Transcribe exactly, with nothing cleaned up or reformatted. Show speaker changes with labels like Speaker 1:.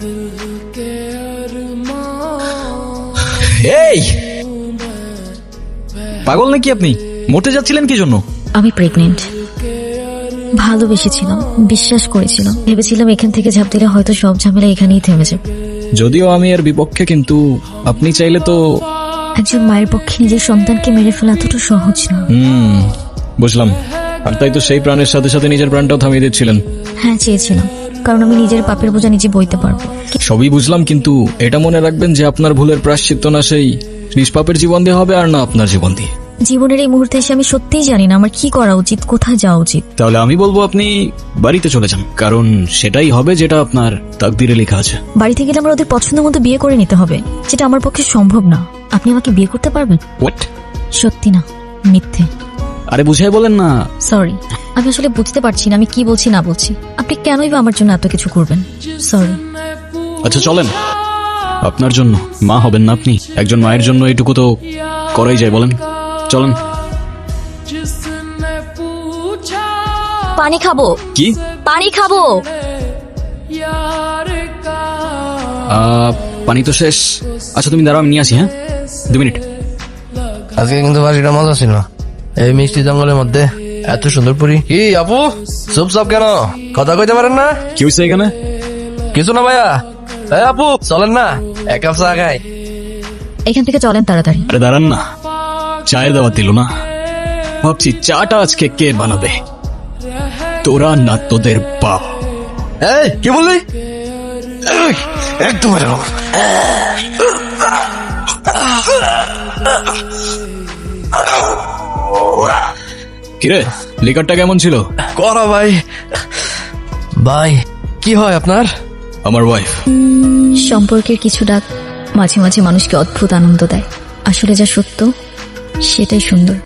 Speaker 1: এই পাগল নাকি আপনি? মরতে যাচ্ছিলেন কি জন্য?
Speaker 2: আমি প্রেগনেন্ট। ভালোবেসেছিলাম, বিশ্বাস করেছিলাম, ভেবেছিলাম এখান থেকে ঝাঁপ দিলে হয়তো সব ঝামেলা এখানেই থেমে যাবে।
Speaker 1: যদিও আমি এর বিপক্ষে, কিন্তু আপনি চাইলে তো।
Speaker 2: একজন মায়ের পক্ষে নিজের সন্তানকে মেরে ফেলা এতটা সহজ না।
Speaker 1: হুম বুঝলাম। আর তাই তো সেই প্রাণের সাথে সাথে নিজের প্রাণটাও থামিয়ে দিচ্ছিলেন।
Speaker 2: হ্যাঁ, চেয়েছিলাম, কারণ আমি নিজের পাপের বোঝা নিজে বইতে পারবো।
Speaker 1: সবই বুঝলাম, কিন্তু এটা মনে রাখবেন যে আপনার ভুলের প্রায়শ্চিত্ত না সেই নিষ্পাপের জীবন দিয়ে হবে, আর না আপনার জীবন দিয়ে।
Speaker 2: জীবনের এই মুহূর্তে এসে আমি সত্যিই জানি না আমার কি করা উচিত, কোথায় যাওয়া উচিত।
Speaker 1: তাহলে আমি বলবো আপনি বাড়িতে চলে যান, কারণ সেটাই হবে যেটা আপনার তাকদিরে লেখা আছে।
Speaker 2: বাড়িতে গেলে আমার ওদের পছন্দ মতো বিয়ে করে নিতে হবে, যেটা আমার পক্ষে সম্ভব না। আপনি আমাকে বিয়ে করতে পারবেন?
Speaker 1: হোয়াট?
Speaker 2: সত্যি না, মিথ্যে।
Speaker 1: আরে বুঝাই বলেন না।
Speaker 2: সরি, আমি আসলে বুঝতে পারছি না আমি কি বলছি না বলছি। আপনি কেনই বা আমার জন্য এত কিছু করবেন? সরি।
Speaker 1: আচ্ছা চলেন, আপনার জন্য মা হবেন না আপনি? একজন মায়ের জন্য এইটুকু তো করাই যায়, বলেন। চলেন।
Speaker 2: পানি খাবো।
Speaker 1: কি?
Speaker 2: পানি খাবো।
Speaker 1: আহ, পানি তো শেষ। আচ্ছা তুমি দাঁড়াও, আমি নিয়ে আসি। হ্যাঁ, দু মিনিট।
Speaker 3: আজকে কিন্তু বাড়িটা মজা ছিল। এই মিষ্টি জঙ্গলের মধ্যে এত সুন্দর পুরি। কি আপু চুপচাপ কেন, কথা কইতে পারেন না?
Speaker 1: কি হয়েছে এখানে?
Speaker 3: কিছু না ভাইয়া। এই আপু চলেন না, এক কাপ চা খাই।
Speaker 2: এখান থেকে চলেন তাড়াতাড়ি।
Speaker 1: আরে দাঁড়ান না, চায়ের দাওয়াত দিল না। ভাবছি চাটা আজকে কে বানাবে, তোরা না তোদের বাপ?
Speaker 3: এই কি বললি? এই, একদম এটা না।
Speaker 1: কিরে, লিকারটা কেমন ছিল?
Speaker 3: করা ভাই। ভাই কি হয় আপনার?
Speaker 1: আমার ওয়াইফ।
Speaker 2: সম্পর্কের কিছু ডাক মাঝে মাঝে মানুষকে অদ্ভুত আনন্দ দেয়। আসলে যা সত্য সেটাই সুন্দর।